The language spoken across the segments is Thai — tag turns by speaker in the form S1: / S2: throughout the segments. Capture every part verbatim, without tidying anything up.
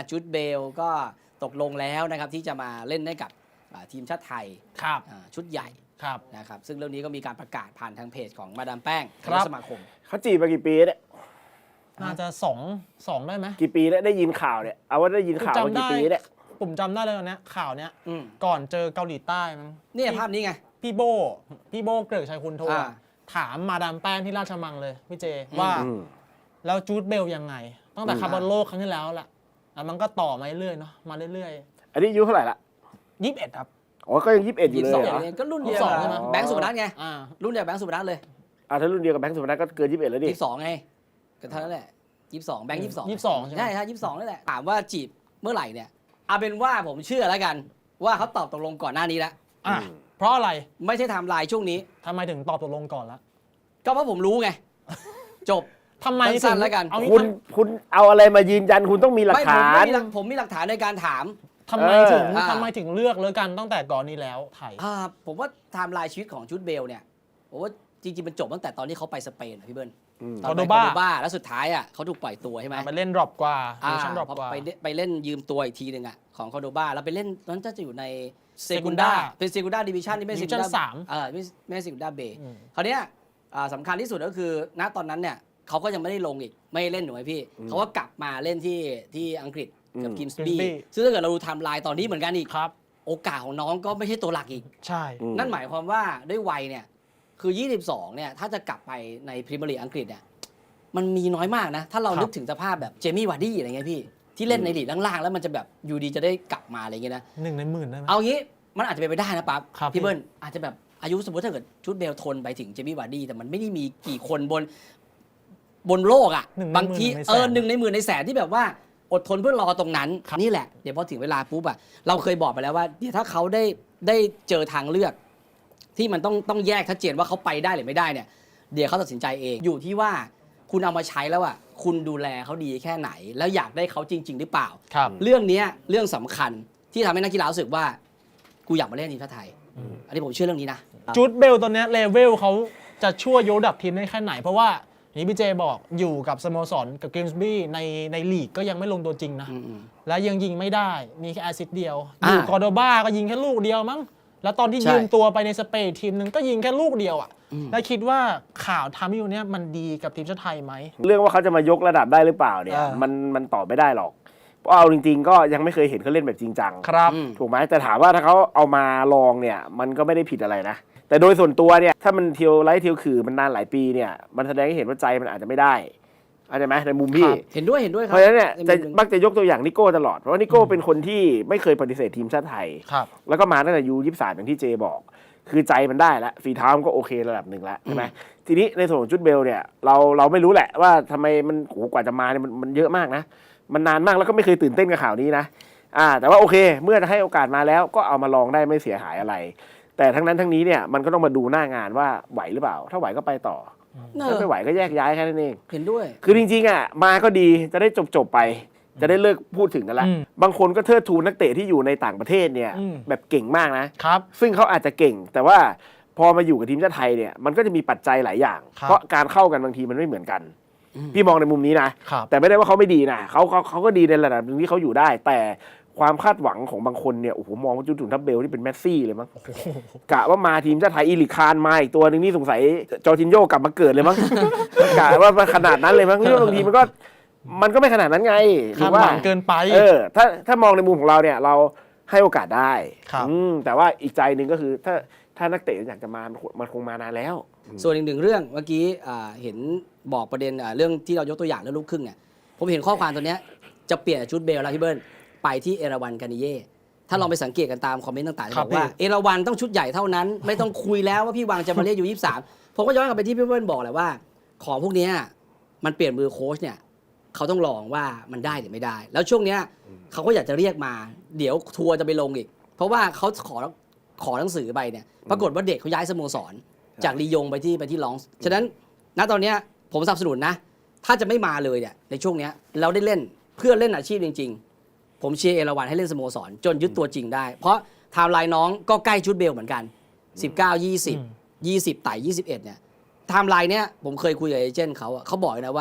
S1: จูดเบลก็ตกลงแล้วนะครับที่จะมาเล่นให้กับทีมชาติไทยชุดใหญ่นะครับซึ่งเรื่องนี้ก็มีการประกาศผ่านทางเพจของมาดามแป้งสมาคม
S2: เขาจีบมากี่ปีเนี่ย
S3: น่าจะสองสองได้ไหม
S2: กี่ปีแล้วได้ยินข่าวเนี่ยเอาว่าได้ยินข่าวมากี่ปีเนี่ย
S3: ผมจำได้เลยตอนนี้ข่าวเนี้ยก่อนเจอเกาหลีใต้มั้ง
S1: นี่ภาพนี้ไง
S3: พี่โบพี่โบเกริกชัยคุณโทรถามมาดามแป้งที่ราชมังเลยพี่เจว่าแล้วจูดเบลยังไงตั้งแต่คาร์บอนโลกครั้งที่แล้วแหละแล้วมันก็ต่อมาเรื่อยๆเนาะมาเรื่อย
S2: ๆอันนี้อายุเท่าไหร่ละ
S3: ยี่สิบเอ็ดครับ
S2: อ๋อก็ยังยี่สิบเอ็ดอยู่เลยเหรอ
S1: ก็รุ่นเดียวกับแบงค์สุพนัทไงรุ่นเดียวแบงค์สุพนัทเลย
S2: อ่าถ้ารุ่นเดียวกับแบงค์สุพนัทก็เกินยี่สิบเอ็ดแล้วดิ
S1: ยี่สิบสองไงก็เท่านั้นแหละยี่สิบสองแบงค์ยี่สิบสอง
S3: ยี่สิบสองใช่ไหม
S1: ใช่ฮะยี่สิบสองนั่นแหละถามว่าจีบเมื่อไหร่เนี่ยเอาเป็นว่าผมเชื่อแล้วกันว่าเขาตอบตกลงก่อนหน้านี้แล้ว
S3: อ่ะเพราะอะไร
S1: ไม่ใช่ไทม์ไลน์ช่วงนี้
S3: ทำไมถึงตอบตกลงก่อนละ
S1: ก็เพราะผมรู้ไงจบ
S3: ทำไม
S1: สั้นแล้วกัน
S2: คุณคุณเอาอะไรมายืนยันคุณต้องมีหลักฐาน
S1: ผมมีหลักฐานในการถาม
S3: ทำไมถึงทำไมถึงเลือกเลยกันตั้งแต่ก่อนนี้แล้วไทย
S1: ผมว่าไทม์ไลน์ชีวิตของจูดเบลเนี่ยผมว่าจริงๆมันจบตั้งแต่ตอนที่เขาไปสเปนพี่เบิ้ล
S3: ตอน
S1: ไปคอร์โดบ้าแล้วสุดท้ายอ่ะเขาถูกปล่อยตัวใช่ไหม
S3: ไปเล่นดรอปกว่า
S1: ชั่นดรอปกว่าไปเล่นยืมตัวอีกทีหนึ่งอ่ะของคอร์โดบ้าแล้วไปเล่นตอนนั้นจะอยู่ในเซกุนดาเป็นเซกุนดาดิวิชั่นที่ไม่เซกุนดา
S3: สาม
S1: เออไม่ไม่เซกุนดาเบย์คราวเนี้ยสำคัญที่สุดก็คือณตอนนั้นเนี่ยเขาก็ยังไม่ได้ลงอีกไม่เล่นหนูไอพี่เขาก็กลับมาเล่นที่ที่อังกฤษกับกิมสบี้ซึ่งถ้าเกิดเราดูไทม์ไลน์ตอนนี้เหมือนกันอีกโอกาสของน้องก็ไม่ใช่ตัวหลักอีก
S3: ใช่
S1: นั่นหมายความว่าด้วยวัยเนี่ยคือยี่สิบสองเนี่ยถ้าจะกลับไปในพรีเมียร์ลีกอังกฤษเนี่ยมันมีน้อยมากนะถ้าเรานึกถึงสภาพแบบเจมี่วาร์ดี้อะไรเงี้ยพี่ที่เล่นในลีกล่างๆแล้วมันจะแบบอยู่ดีจะได้กลับมาอะไรเงี้ยนะ
S3: หนึ่งในหมื่นได้ไหม
S1: เอางี้มันอาจจะเป็นไปได้นะปั๊บพี่เบิ้ลอาจจะแบบอายุสมมติถ้าเกิดชุดเบลทนไปถึงเจมี่วาร์ดี้แต่มันไม่ได้มีกี่คนบนบนโลกอ่ะบางทีเออหนึ่งในหมื่นในแสนที่แบบว่าอดทนเพื่อรอตรงนั้นนี่แหละเดี๋ยวพอถึงเวลาปุ๊บอ่ะเราเคยบอกไปแล้วว่าเดี๋ยวถ้าเขาได้ได้เจอทางเลือกที่มันต้องต้องแยกชัดเจนว่าเขาไปได้หรือไม่ได้เนี่ยเดี๋ยวเขาตัดสินใจเองอยู่ที่ว่าคุณเอามาใช้แล้วอ่ะคุณดูแลเขาดีแค่ไหนแล้วอยากได้เขาจริงๆหรือเปล่าเรื่องนี้เรื่องสำคัญที่ทำให้นักกีฬารู้สึกว่ากูอยากมาเล่นทีมชาติไทยอันนี้ผมเชื่อเรื่องนี้นะ
S3: จูดเบลตอนนี้เลเวลเขาจะช่วยยกระดับทีมได้แค่ไหนเพราะว่านี่พี่เจบอกอยู่กับสโมสรกับเกมส์บี้ในในลีกก็ยังไม่ลงตัวจริงนะและยังยิงไม่ได้มีแค่แอสซิสต์เดียวอยู่กอร์โดบ้าก็ยิงแค่ลูกเดียวมั้งแล้วตอนที่ยืมตัวไปในสเปนทีมนึงก็ยิงแค่ลูกเดียวอ่ะแล้วคิดว่าข่าวทำให้อยู่เนี้ยมันดีกับทีมชาติไทยไหม
S2: เรื่องว่าเขาจะมายกระดับได้หรือเปล่าเนี่ยมันมันตอบไม่ได้หรอกเพราะเอาจริงๆก็ยังไม่เคยเห็นเขาเล่นแบบจริงจัง
S3: ครับ
S2: ถูกไหมแต่ถามว่าถ้าเขาเอามาลองเนี่ยมันก็ไม่ได้ผิดอะไรนะแต่โดยส่วนตัวเนี่ยถ้ามันเที่ยวไล่เที่ยวคือมันนานหลายปีเนี่ยมันแสดงให้เห็นว่าใจมันอาจจะไม่ได้เข้าใจไหมในมุมพี่
S1: เห็นด้วยเห็นด้วยครับ
S2: เพราะฉะนั้นเนี่ยจะมักจะยกตัวอย่างนิโก้ตลอดเพราะว่านิโก้เป็นคนที่ไม่เคยปฏิเสธทีมชาติไทยแล้วก็มาตั้งแต่ยูยี่สิบสามอย่างที่เจบอกคือใจมันได้แล้วฝีเท้ามันก็โอเคระดับหนึ่งแล้วใช่ไหมทีนี้ในส่วนของจูดเบลเนี่ยเราเราไม่รู้แหละว่าทำไมมันโหกว่าจะมาเนี่ยมันมันเยอะมากนะมันนานมากแล้วก็ไม่เคยตื่นเต้นกับข่าวนี้นะอ่าแต่ว่าโอเคเมื่อจะให้โอกาสมาแล้วก็เอามาลองได้ไม่เสียหายอะไรแต่ทั้งนั้นทั้งนี้เนี่ยมันก็ต้องมาดูหน้างานว่าไหวหรือเปล่าถ้าไหวก็ไปต่อถ้าไม่ไหวก็แยกย้ายแค่นั้นเอง
S1: เห็นด้วย
S2: คือจริงๆอ่ะมาก็ดีจะได้จบๆไปจะได้เลิกพูดถึงกันละบางคนก็เทิดทูนนักเตะที่อยู่ในต่างประเทศเนี่ยแบบเก่งมากนะครับซึ่งเขาอาจจะเก่งแต่ว่าพอมาอยู่กับทีมชาติไทยเนี่ยมันก็จะมีปัจจัยหลายอย่างเพราะการเข้ากันบางทีมันไม่เหมือนกันพี่มองในมุมนี้นะแต่ไม่ได้ว่าเขาไม่ดีนะเขาเขาเขาก็ดีในระดับนึงที่เขาอยู่ได้แต่ความคาดหวังของบางคนเนี่ยโอ้โหมองว่าจูดทับเบลที่เป็นแมสซี่เลยมั้งกะว่ามาทีมชาติไทยอีลิคานมาอีกตัวนึงนี่สงสัยจอร์จินโญ่กลับมาเกิดเลยมั้งกะว่าขนาดนั้นเลยมั้งเรื่องบางทีมันก็มันก็ไม่ขนาดนั้นไง
S3: คาดหวังเกินไป
S2: เออถ้าถ้ามองในมุมของเราเนี่ยเราให้โอกาสได้แต่ว่าอีกใจหนึ่งก็คือถ้าถ้านักเตะอยากจะมามันคงมานานแล้ว
S1: ส่วนอีกหนึ่งเรื่องเมื่อกี้เห็นบอกประเด็นเรื่องที่เรายกตัวอย่างเรื่องลูกครึ่งเนี่ยผมเห็นข้อความตัวเนี้ยจะเปลี่ยนจูดเบลแล้วพี่เบิ้ลไปที่เอราวันกานิเย่ถ้าลองไปสังเกตกันตามคอมเมนต์ต่างๆจะบอกว่าเอราวันต้องชุดใหญ่เท่านั้นไม่ต้องคุยแล้วว่าพี่วางจะมาเล่นอยู่ยี่สิบสามผมก็ย้อนกลับไปที่พี่เบิ้ลบอกแหละว่าของพวกนี้มันเปลี่ยนมือโค้ชเนี่ยเขาต้องลองว่ามันได้หรือไม่ได้แล้วช่วงนี้เขาก็อยากจะเรียกมาเดี๋ยวทัวร์จะไปลงอีกเพราะว่าเขาขอขอหนังสือไปเนี่ยปรากฏว่าเด็กเขาย้ายสโมสรจากลียงไปที่ไปที่ลองส์ฉะนั้นณตอนนี้ผมสนับสนุนนะถ้าจะไม่มาเลยเนี่ยในช่วงนี้เราได้เล่นเพื่อเล่นอาชีพจริงๆผมเชียร์เอราวันให้เล่นสโมสรจนยึดตัวจริงได้เพราะไทม์ไลน์น้องก็ใกล้จูดเบลเหมือนกันสิบเก้า ยี่สิบ ยี่สิบไต่ยี่สิบเอ็ดเนี่ยไทม์ไลน์เนี้ยผมเคยคุยกับเอเจนต์เขาเขาบอกนะว่า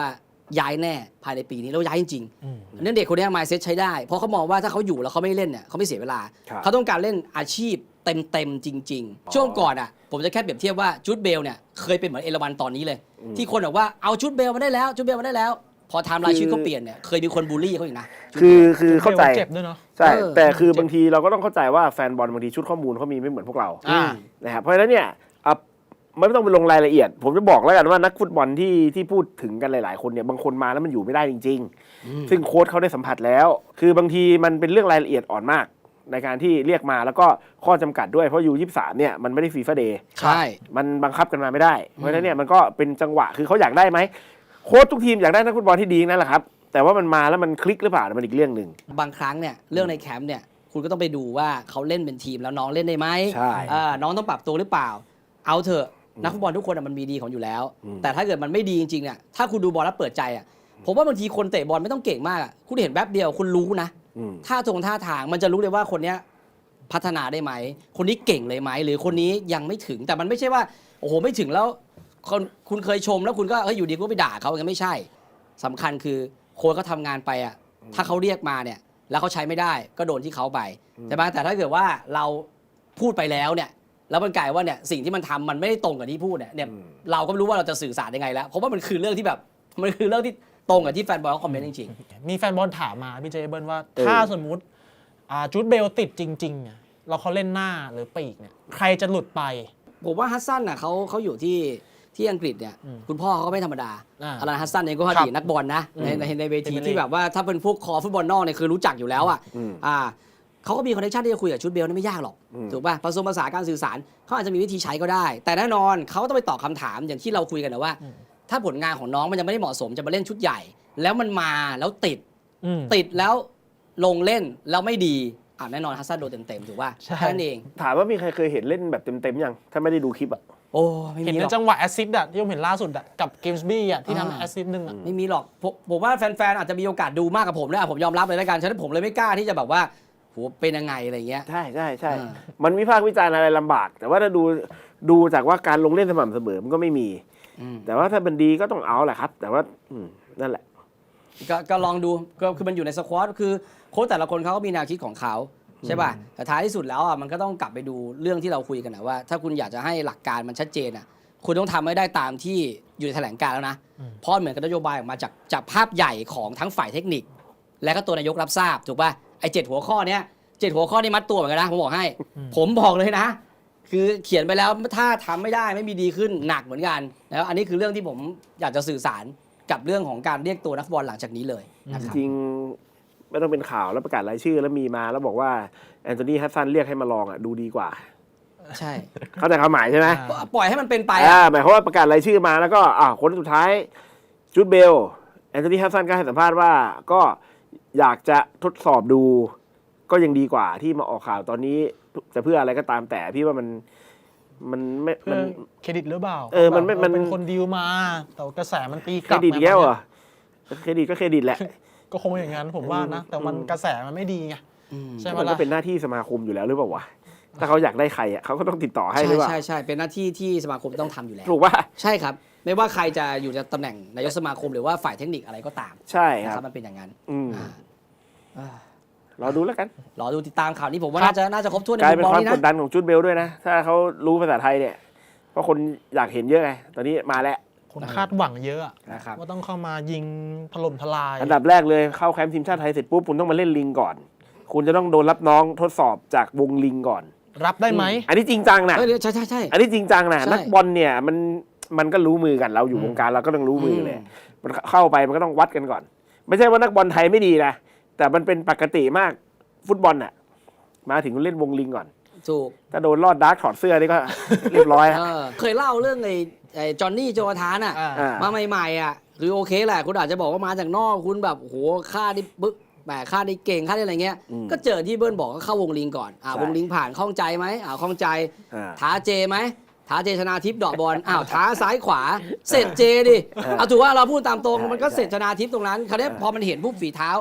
S1: ย้ายแน่ภายในปีนี้แล้วย้ายจริงๆเนื่องเด็กคนนี้มายเซ็ตใช้ได้เพราะเขามองว่าถ้าเขาอยู่แล้วเขาไม่เล่นเนี่ยเขาไม่เสียเวลาเขาต้องการเล่นอาชีพเต็มๆจริงๆช่วงก่อนอ่ะผมจะแค่เปรียบเทียบว่าจูดเบลเนี่ยเคยเป็นเหมือนเอราวันตอนนี้เลยที่คนบอกว่าเอาจูดเบลมาได้แล้วจูดเบลมาได้แล้วพอไทม์ไลน์ชีวิตเขาเปลี่ยนเนี่ยเคยมีคนบูลลี่เขาอีกนะ
S2: คือคือเข้าใจ
S3: เจ็บด้วยเนาะ
S2: ใช่
S1: เออ
S2: แต่คือบางทีเราก็ต้องเข้าใจว่าแฟนบอลบางทีชุดข้อมูลเขามีไม่เหมือนพวกเรา
S3: อ่า
S2: นะครับเพราะฉะนั้นเนี่ยอ่ะไม่ต้องไปลงรายละเอียด ผมจะบอกแล้วกันว่านักฟุตบอลที่ที่พูดถึงกันหลายๆคนเนี่ยบางคนมาแล้วมันอยู่ไม่ได้จริง ๆ ซึ่งโค้ชเขาได้สัมผัสแล้ว คือบางทีมันเป็นเรื่องรายละเอียดอ่อนมาก ในการที่เรียกมาแล้วก็ข้อจำกัดด้วยเพราะยูยี่สิบสามเนี่ยมันไม่ได้ฟีฟ่าเดย์
S1: ใช่
S2: มันบังคับกันมาไม่ได้ เพราะฉะนั้นเนี่ยมันก็เป็นจังหวะคือเขาอยากได้ไหมโค้ชทุกทีมอยากได้นักฟุตบอลที่ดีนั่นแหละครับแต่ว่ามันมาแล้วมันคลิกหรือเปล่ามันอีกเรื่องหนึ่ง
S1: บางครั้งเนี่ยเรื่องในแคมป์เนี่ยคุณก็ต้องไปดูว่าเขาเล่นเป็นทีมแล้วน้องเล่นได้ไหม
S2: ใช่
S1: เออน้องต้องปรับตัวหรือเปล่า เอาเถอะนักฟุตบอลทุกคนอะมันมีดีของอยู่แล้ว แต่ถ้าเกิดมันไม่ดีจริงๆเนี่ยถ้าคุณดูบอลแล้วเปิดใจอ่ะผมว่าบางทีคนเตะบอลไม่ต้องเก่งมากอ่ะคุณเห็นแป๊บเดียวคุณรู้นะ
S2: อืม
S1: ท่าทงท่าทางมันจะรู้เลยว่าคนเนี้ยพัฒนาได้ไหมคนนี้เก่งเลยไหมหรือคนนี้ยังไม่ถึงแต่มันไม่ใช่ว่าโอ้โหไม่ถึงแล้วคนคุณเคยชมแล้วคุณก็เฮ้ยอยู่ดีก็ไปด่าเขาอย่างนั้นไม่ใช่สำคัญคือโค้ชเขาทำงานไปอ่ะถ้าเขาเรียกมาเนี่ยแล้วเขาใช้ไม่ได้ก็โดนที่เขาไปใช่ไหมแต่ถ้าเกิดว่าเราพูดไปแล้วเนี่ยแล้วมันกลายว่าเนี่ยสิ่งที่มันทำมันไม่ได้ตรงกับที่พูดเนี่ยเนี่ยเราก็ไม่รู้ว่าเราจะสื่อสารยังไงแล้วเพราะว่ามันคือเรื่องที่แบบมันคือเรื่องที่ตรงกับที่แฟนบอลเขาคอมเมนต์จริง
S3: มีแฟนบอลถามมาพี่เจเบิลว่าถ้าสมมุติอ่าจูดเบลติดจริงๆอ่ะเราเขาเล่นหน้าหรือปีกเนี่ยใครจะหลุดไป
S1: ๆผมว่าฮัสซันน่ะเขาเขาอยู่ที่ที่อังกฤษเนี่ยคุณพ่อเขาก็ไม่ธรรมดา
S3: อ่า
S1: อารันฮัสซันเองก็อดีตนักบอลนะในในในเวที
S3: เป็น
S1: ที่แบบว่าถ้าเป็นพวกคอฟุตบอลนอกเนี่ยคือรู้จักอยู่แล้วอ่ะ
S2: อืม
S1: อ่าเขาก็มีคอนเนคชั่นที่จะคุยกับชุดเบลนี่ไม่ยากหรอก
S2: อืม
S1: ถูกป่ะผสมภาษานการสื่อสารเขาอาจจะมีวิธีใช้ก็ได้ แต่แน่นอนเขาก็ต้องไปตอบคำถามอย่างที่เราคุยกันนะว่า ถ้าผลงานของน้องมันยังไม่ได้เหมาะสมจะมาเล่นชุดใหญ่ แล้วมันมาแล้วติด
S3: อืม
S1: ติดแล้วลงเล่นแล้วไม่ดีอ่าแน่นอนฮัสซันโดนเต็มๆถูกป่ะ
S3: ใช่
S1: แค่นั้นเอง
S2: ถามว่ามีใครเคยเห็นเล่นแบบเต็มๆยังถ้าไม่ได้ดูคลิปอ่ะ
S1: โอ้ไม่
S3: เห็น
S1: มีห
S3: ใน
S1: รอก
S3: จังหวะแอสซิสต์อะที่ผมเห็นล่าสุดอะกับเกมส์บี้อะที่
S1: อ่า
S3: ทำแอสซิสต์หนึ่งอะ
S1: ไม่มีหรอกผมผมว่าแฟนๆอาจจะมีโอกาสดูมากกับผมนะผมยอมรับเลยแล้วกันฉะนั้นผมเลยไม่กล้าที่จะแบบว่าโหเป็นยังไงอะไรเงี้ย
S2: ใช่ใช่ใช่
S1: อ่า
S2: มันวิพากษ์วิจารณ์อะไรลำบาก แต่ว่าถ้าดูดูจากว่าการลงเล่นสม่ำเสมอมันก็ไม่มี
S1: อืม
S2: แต่ว่าถ้าเป็นดีก็ต้องเอาแหละครับ แต่ว่าอืมนั่นแหละ
S1: ก็ก็ลองดูก็คือมันอยู่ในสควอตคือโค้ชแต่ละคนเขาก็มีแนวคิดของเขาใช่ป่ะแต่ท้ายที่สุดแล้วอ่ะมันก็ต้องกลับไปดูเรื่องที่เราคุยกันนะว่า ถ้าคุณอยากจะให้หลักการมันชัดเจนอ่ะคุณต้องทำให้ได้ตามที่อยู่ในแถลงการณ์แล้วนะเพราะเหมือนกับนโยบายออกมาจากจากภาพใหญ่ของทั้งฝ่ายเทคนิค และก็ตัวนายกรับทราบถูกป่ะไอ้เจ็ดหัวข้อเนี้ยเจ็ดหัวข้อนี่มัดตัวเหมือนกันนะผมบอกให้ ผมบอกเลยนะ คือเขียนไปแล้วถ้าทำไม่ได้ไม่มีดีขึ้นหนักเหมือนกันแล้วอันนี้คือเรื่องที่ผมอยากจะสื่อสารกับเรื่องของการเรียกตัวนักฟุตบอลหลังจากนี้เลยนะครับ
S2: จริงๆไม่ต้องเป็นข่าวแล้วประกาศรายชื่อแล้วมีมาแล้วบอกว่าแอนโทนีฮัสซันเรียกให้มาลองอ่ะดูดีกว่า
S1: ใช่
S2: เข้าใจความหมายใช่ไหม
S1: ปล่อยให้มันเป็นไป
S2: อ่า
S1: อะ
S2: หมายความว่าประกาศรายชื่อมาแล้วก็อ่าคนสุดท้ายจูดเบลแอนโทนีฮัสซันก็ให้สัมภาษณ์ว่าก็อยากจะทดสอบดู ก็ยังดีกว่าที่มาออกข่าวตอนนี้จะเพื่ออะไรก็ตามแต่พี่ว่ามันมันไม่
S3: เพื่
S2: มั
S3: อน เครดิตหรือเปล่า
S2: เออมันไม่มัน
S3: เป็นคนดีลมา แต่ว่ากระแสมันตีก
S2: เคร
S3: ลับ
S2: ดิต
S3: มา
S2: อีกแล้วเหรอเครดิตก็เครดิตแหละ
S3: ก็คงอย่างนั้นผมว่านะ แต่มันกระแสมันไม่ดีไง
S1: อืม
S3: ใช่ไหม
S2: มันก็
S3: ล่ะ
S2: เป็นหน้าที่สมาคมอยู่แล้วหรือเปล่าวะถ้าเขาอยากได้ใครอ่ะเขาก็ต้องติดต่อให้
S1: ใช่
S2: หรือเปล่า
S1: ใช่ใช่เป็นหน้าที่ที่สมาคมต้องทำอยู่แล้ว
S2: ถูกป่ะ
S1: ใช่ครับ ไม่ว่าใครจะอยู่ในตำแหน่งนายกสมาคมหรือว่าฝ่ายเทคนิคอะไรก็ตาม
S2: ใช่
S1: นะ
S2: ค
S1: ค
S2: รั
S1: รับบ มันเป็นอย่างนั้น
S2: อืม
S1: อ่าอ่า
S2: รอดูแล้วกัน
S1: รอดูติดตามข่าวนี้ผมว่า
S3: ครับ
S1: น่าจะน่าจะครบถ้วนใน
S2: กลาย
S1: มุ
S2: เป็
S1: ม
S2: น
S1: มอง
S2: ความ
S1: นี้
S2: กด
S1: นะ
S2: ดันของจูดเบลด้วยนะ ถ้าเขารู้ภาษาไทยเนี่ยเพราะคนอยากเห็นเยอะไงตอนนี้มาแล้ว
S3: คนคาดหวังเยอะอะ
S1: นะครับ
S3: ว่าต้องเข้ามายิงถล่มทลาย
S2: อันดับแรกเลยเข้าแคมป์ทีมชาติไทยเสร็จปุ๊บคุณต้องมาเล่นลิงก่อน คุณจะต้องโดนรับน้องทดสอบจากวงลิงก่อน
S3: รับได้ไหม
S2: อันนี้จริงจังนะ
S1: เออใช่ใช่ใช่
S2: อันนี้จริงจังนะ
S1: ใช่
S2: นักบอลเนี่ยมันมันก็รู้มือกันเราอยู่วงการเราก็ต้องรู้มือเลย
S1: อืม
S2: มันเข้าไปมันก็ต้องวัดกันก่อน ไม่ใช่ว่านักบอลไทยไม่ดีนะแต่มันเป็นปกติมากฟุตบอลน่ะมาถึงเล่นวงลิงก่อน
S1: ถูก
S2: ถ้าโดนลอดดาร์กถอดเสื้อนี่ก็ เรียบร้อย
S1: เอ
S2: แล้ว
S1: อเคยเล่าเรื่องไอ้ไอ้จอห์นนี่โจวาธานอ่ะ
S3: อ่า
S2: อ่า
S1: มาใหม่ๆอ่ะคือโอเคแหละคุณอาจจะบอกว่ามาจากนอกคุณแบบโอ้โหค่านี่ปึ๊กแหมค่านี่เก่งค่านี่อะไรเงี้ย
S2: อืม
S1: ก็เจอที่เบิ้ลบอกก็เข้าวงลิงก่อนอ่า
S2: ใช่
S1: วงลิงผ่านข้องใจไหมอ่าข้องใจ
S2: อ่า
S1: ท้าเจไหมท้าเจชนาทิพย์เดอกบอลอ้าวท้าซ้ายขวา เสร็จเจดิเอาถือว่าเราพูดตามตรง
S2: ใช่
S1: มันก็
S2: ใช่
S1: เสร็จชนาทิพย์ตรงนั้นคราวนี้พอมันเห็นปุ๊บฝีเท้า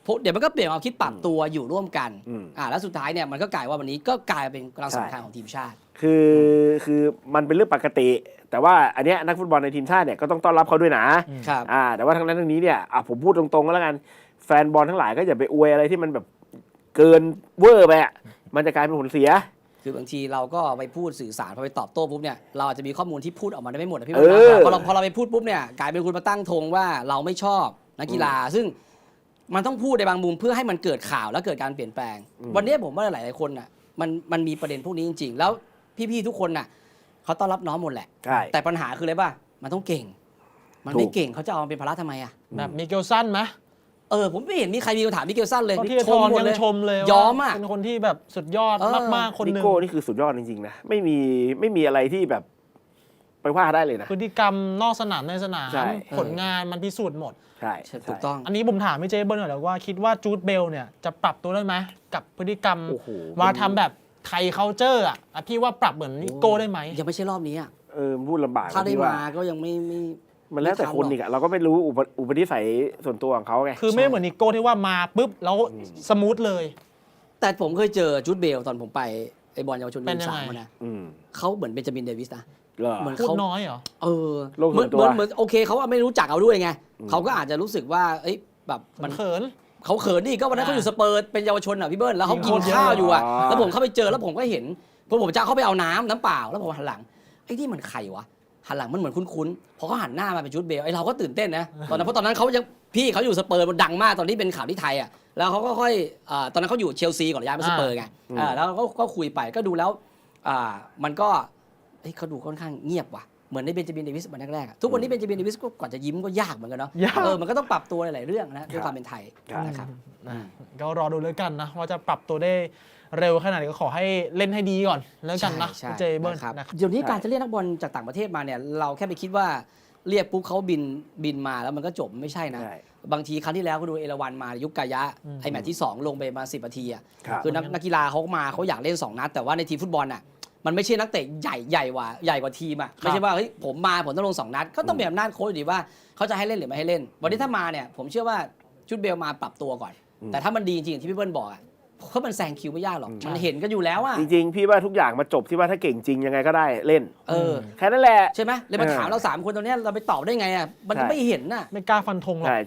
S1: เดี๋ยวมันก็เปลี่ยนความคิดปรับตัวอยู่ร่วมกัน
S2: อืม
S1: อ่าแล้วสุดท้ายเนี่ยมันก็กลายว่าวันนี้ก็กลายเป็นกำลังสำคัญของทีมชาติ
S2: คือคือมันเป็นเรื่องปกติ แต่ว่าอันเนี้ยนักฟุตบอลในทีมชาติเนี่ยก็ต้องต้อนรับเขาด้วยนะครับ อ่าแต่ว่าทั้งนั้นทั้งนี้เนี่ยอ่ะผมพูดตรงๆก็แล้วกันแฟนบอลทั้งหลายก็อย่าไปอวยอะไรที่มันแบบเกินเวอร์ไปอ่ะมันจะกลายเป็นผลเสีย
S1: คือบางทีเราก็ไปพูดสื่อสารพอไปตอบโต้ปุ๊บเนี่ยเราอาจจะมีข้อมูลที่พูดออกมาได้ไม่หมดนะพี่
S2: เอ
S1: เบิร์
S2: อ
S1: ดนะพอเราพอเราไปพูดปุ๊บเนี่ยกลายเป็นคุณมาตั้งธงว่าเราไม่ชอบนักกีฬา ซึ่งมันต้องพูดในบางมุมเพื่อให้มันเกิดข่าวและเกิดการเปลี่ยนแปลง วันนี้ผมว่าหลายๆคนน่ะมันมันมีประเด็นพวกนี้จริงๆ แล้วพี่ๆทุกคนน่ะเขาต้อนรับน้องหมดแหละ
S2: ใช่
S1: แต่ปัญหาคืออะไรป่ะมันต้องเก่ง มันไม่เก่งเขาจะเอามาเป็นภาระทำไมอ่ะ
S3: แบบมิเกลสันไหม
S1: เออผมไม่เห็นมีใครมีคำถามมิเกลสันเลย
S3: ก็ที่ทอน
S1: หมด
S3: ยัง
S1: เลย
S3: ชมเลย
S1: ยอมอ่ะ
S3: เป็นคนที่แบบสุดยอด
S1: เออ
S3: มากๆคนห
S2: นิ
S3: นึ่ง
S2: โก้นี่คือสุดยอดจริงๆนะไม่มีไม่มีอะไรที่แบบไปว่าได้เลยนะ
S3: พฤติกรรมนอกสนามในสนาม
S2: ใช่
S3: ผลงานมันพิสูจน์หมด
S2: ใช่
S1: ถูกต้อง
S3: อันนี้ผมถามพี่เจเบิ้ลหน่อยแล้วว่าคิดว่าจูดเบลเนี่ยจะปรับตัวได้ไหมกับพฤติกรรม
S2: โอ้โห
S3: มาทำแบบไทยเคาเจอร์อ่ะอ่ะพี่ว่าปรับเหมือนนิโก้ได้ไหม
S1: ยังไม่ใช่รอบนี้อ่ะ
S2: เออพูดลำบาก
S1: ถ้าได้
S2: ที่ว่า
S1: มาก็ยังไม่ไม่
S2: มันแล้วแต่คนอีกอะเราก็ไม่รู้อุปอุปนิสัยส่วนตัวของเขาไง
S3: คือไม่เหมือนนิโก้ที่ว่ามาปุ๊บแล้วสมูทเลย
S1: แต่ผมเคยเจอจูดเบลตอนผมไปไอบอลเยาวชน
S3: เป็น
S1: ทีม
S3: ยัง
S1: สา
S3: ไง
S1: มอะนะ
S2: อืม
S1: เขาเหมือนเบนจามินเดวิสนะ
S2: เหรอ
S1: เหมือน
S3: พูด
S1: เขา
S3: น้อยเหรอ
S1: เออ
S2: โลก
S1: เห
S2: ส่
S1: มื
S2: วน
S1: น
S2: ตัว
S1: เหมือนเหมือนโอเคเขาไม่รู้จักเอาด้วยไงเขาก็อาจจะรู้สึกว่าเอ้ยแบบ
S3: มั
S1: มัน น
S3: เขิน
S1: เขาเขินดิก็วันนั้นเขาอยู่สเปอร์เป็นเยาวชนอ่ะพี่เบิ้ลแล้วเขากิน
S3: ยิงโคตรเยอะ
S1: ข้าวอยู่อ่ะ
S2: อ๋อ
S1: แล้วผมเข้าไปเจอแล้วผมก็เห็นพอผมจะเข้าไปเอาน้ำน้ำเปล่าแล้วผมหันหลังไอ้นี่มันใครวะหันหลังมันเหมือนคุ้นๆพอเขาหันหน้ามาเป็นจูดเบลไอ้เราก็ตื่นเต้นนะตอนนั้นเพราะตอนนั้นเขายังพี่เขาอยู่สเปอร์มันดังมากตอนที่เป็นข่าวที่ไทยอ่ะแล้วเขาก็ค่อยอ่าตอนนั้นเขาอยู่เชลซีก่อนย้ายมาสเปอร์ไงอ่าแล้วก็ก็คุยไปก็ดูแล้วอ่ามันก็เฮ้ยเขาดูค่อนข้างเงียบว่ะเหมือนในเบนจามินเดวิสวันแรกๆอะทุกวันนี้เบนจามินเดวิสก็กว่าจะยิ้มก็ยากเหมือนกันเนาะ
S3: ยาก
S1: เออมันก็ต้องปรับตัวหลายๆเรื่องนะด้วยความเป็นไทย
S2: ครับ
S1: นะครับ
S3: นะก็รอดูแล้วกันนะว่าจะปรับตัวได้เร็วขนาดไหนก็ขอให้เล่นให้ดีก่อนแล้วกันนะ
S1: ใช่
S3: พี่เจเบิ้ล
S1: นะครับ
S3: นะครับ
S1: เดี๋ยวนี้การจะเรียกนักบอลจากต่างประเทศมาเนี่ยเราแค่ไปคิดว่าเรียกปุ๊บเขาบินบินมาแล้วมันก็จบไม่ใช่นะ
S2: ใช่
S1: บางทีครั้งที่แล้วก็ดูเอราวันมายุคกายะ
S3: อืม
S1: ไอแมตช์ที่สองลงไปมาสิบนาทีอ่ะ
S2: ครับ
S1: คือนักนักกีฬาเขามาเขาอยากเล่นสองนัดแต่ว่าในทีมฟุตบอลน่ะมันไม่ใช่นักเตะใหญ่ใหญ่กว่าใหญ่กว่าทีมอ่ะไม่ใช่ว่าเฮ้ยผมมาผมต้องลงสองนัดก็ต้องเป็นอำนาจโค้ชอยู่ดีว่าเขาจะให้เล่นหรือไม่ให้เล่น วันนี้ถ้ามาเนี่ยผมเชื่อว่าชุดเบลมาปรับตัวก่อน แต่ถ้ามันดีจริงอย่างที่พี่เบิ้ลบอกอ่ะเพราะมันแซงคิวไม่ยากหรอกมันเห็นกันอยู่แล้วอ่ะ
S2: จริงๆ พี่ว่าทุกอย่างมาจบที่ว่าถ้าเก่งจริงยังไงก็ได้เล่น
S1: เออ
S2: แค่นั้นแหละ
S1: ใช่ไหมเลยมา
S2: เออ
S1: ถามเราสามคนตรงเนี้ยเราไปตอบได้ไงอ่ะมัน
S2: ใช่
S1: ไม่เห็นน่ะ
S3: ไม่กล้าฟันธงหรอก
S2: ใช่